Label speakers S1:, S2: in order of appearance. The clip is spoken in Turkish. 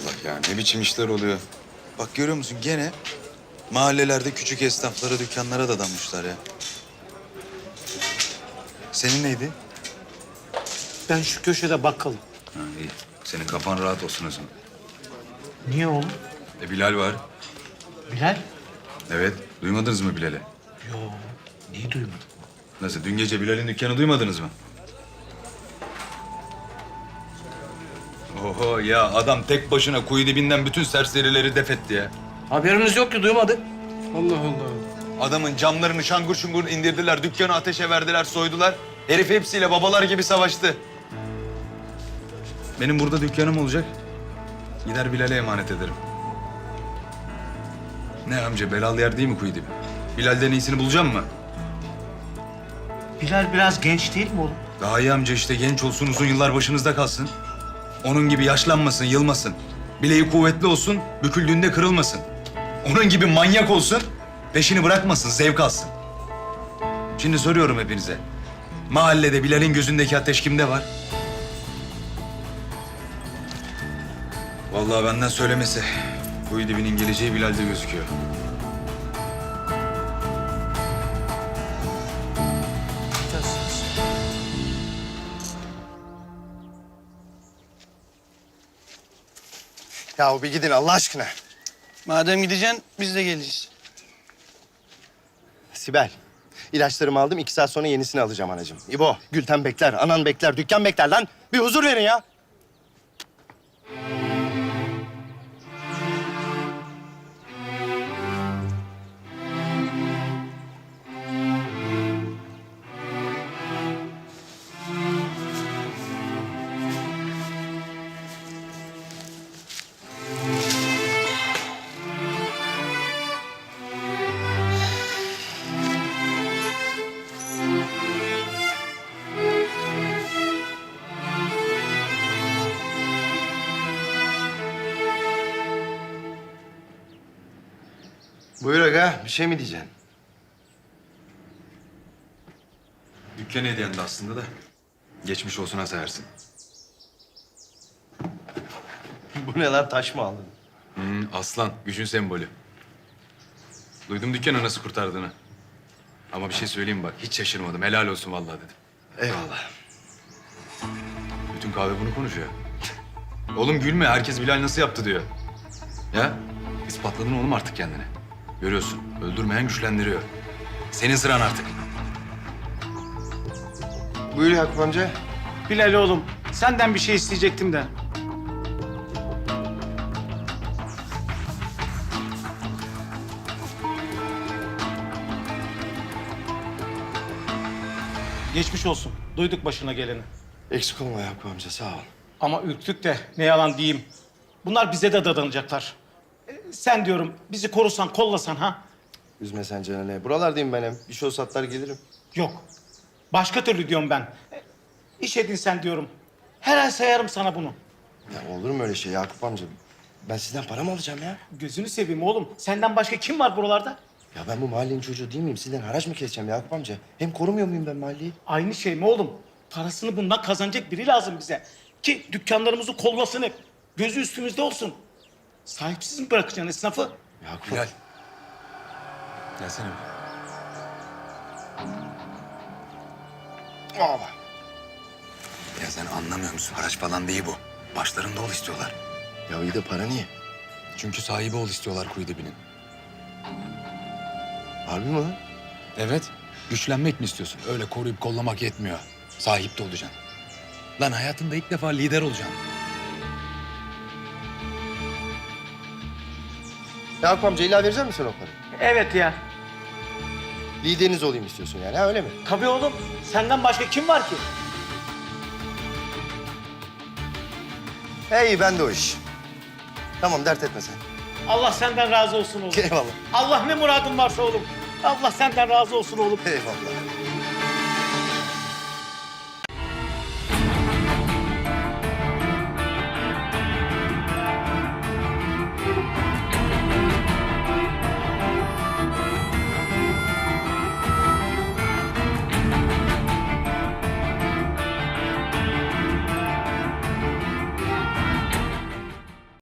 S1: Allah ya, ne biçim işler oluyor. Bak görüyor musun gene mahallelerde küçük esnaflara, dükkanlara dadanmışlar ya. Senin neydi?
S2: Ben şu köşede bakkalım.
S1: Ha, iyi. Senin kafan rahat olsun o zaman.
S2: Niye oğlum?
S1: Bilal var.
S2: Bilal?
S1: Evet, duymadınız mı Bilal'i?
S2: Yo, neyi duymadım?
S1: Nasıl, dün gece Bilal'in dükkanı duymadınız mı? Oho ya, adam tek başına kuyu dibinden bütün serserileri def etti ya.
S2: Haberimiz yok ki, duymadık. Allah Allah.
S1: Adamın camlarını şangur şungur indirdiler, dükkanı ateşe verdiler, soydular. Herif hepsiyle babalar gibi savaştı. Benim burada dükkanım olacak. Gider Bilal'e emanet ederim. Ne amca, belalı yer değil mi kuyu dibi? Bilal'den iyisini bulacağım mı?
S2: Bilal biraz genç değil mi oğlum?
S1: Daha iyi amca işte, genç olsun, uzun yıllar başınızda kalsın. Onun gibi yaşlanmasın, yılmasın. Bileği kuvvetli olsun, büküldüğünde kırılmasın. Onun gibi manyak olsun, peşini bırakmasın, zevk alsın. Şimdi soruyorum hepinize. Mahallede Bilal'in gözündeki ateş kimde var? Vallahi benden söylemesi. Kuyu dibinin geleceği Bilal'de gözüküyor.
S3: Ya bir gidin Allah aşkına.
S4: Madem gideceksin biz de geleceğiz.
S3: Sibel, ilaçlarımı aldım. 2 saat sonra yenisini alacağım anacığım. İbo, Gülten bekler, anan bekler, dükkan bekler lan. Bir huzur verin ya. Buyur aga, bir şey mi diyeceksin?
S1: Dükkan hediyendi aslında da. Geçmiş olsun ha sayarsın.
S3: Bu ne lan, taş mı aldın?
S1: Aslan, gücün sembolü. Duydum dükkanı nasıl kurtardığını. Ama bir şey söyleyeyim bak, hiç şaşırmadım. Helal olsun vallahi dedim.
S3: Eyvallah.
S1: Bütün kahve bunu konuşuyor. Oğlum gülme, herkes Bilal nasıl yaptı diyor. Ya, ispatladın oğlum artık kendini. Görüyorsun, öldürmeyen güçlendiriyor. Senin sıran artık.
S3: Buyur Yakup amca.
S2: Bilal oğlum, senden bir şey isteyecektim de. Geçmiş olsun. Duyduk başına geleni.
S3: Eksik olma Yakup amca, sağ ol.
S2: Ama ürktük de ne yalan diyeyim. Bunlar bize de dadanacaklar. Sen diyorum bizi korusan, kollasan ha?
S3: Üzme sen canını. Buralardayım ben hem. Bir şey olsa atlar gelirim.
S2: Yok. Başka türlü diyorum ben. İş edinsen diyorum. Her ay sayarım sana bunu.
S3: Ya olur mu öyle şey Yakup amca? Ben sizden para mı alacağım ya?
S2: Gözünü seveyim oğlum. Senden başka kim var buralarda?
S3: Ya ben bu mahallenin çocuğu değil miyim? Sizden haraç mı keseceğim Yakup amca? Hem korumuyor muyum ben mahalleyi?
S2: Aynı şey mi oğlum? Parasını bundan kazanacak biri lazım bize. Ki dükkanlarımızı kollasın hep. Gözü üstümüzde olsun. Sahipsiz mi bırakacaksın esnafı?
S3: Yakup
S1: Bilal. Gelsene.
S3: Aa,
S1: Ya sen anlamıyor musun? Haraç falan değil bu. Başlarında ol istiyorlar.
S3: ya iyi de para niye?
S1: Çünkü sahibi ol istiyorlar kuyu dibinin.
S3: Harbi mi lan?
S1: Evet. Güçlenmek mi istiyorsun? Öyle koruyup kollamak yetmiyor. Sahip de olacaksın. Lan hayatında ilk defa lider olacaksın.
S3: Yakup amca illa verecek misin o parayı?
S2: Evet ya.
S3: Lideriniz olayım istiyorsun yani, ha öyle mi?
S2: Tabii oğlum. Senden başka kim var ki?
S3: Hey ben de o iş. Tamam dert etme sen.
S2: Allah senden razı olsun oğlum.
S3: Eyvallah.
S2: Allah ne muradın varsa oğlum. Allah senden razı olsun oğlum.
S3: Eyvallah.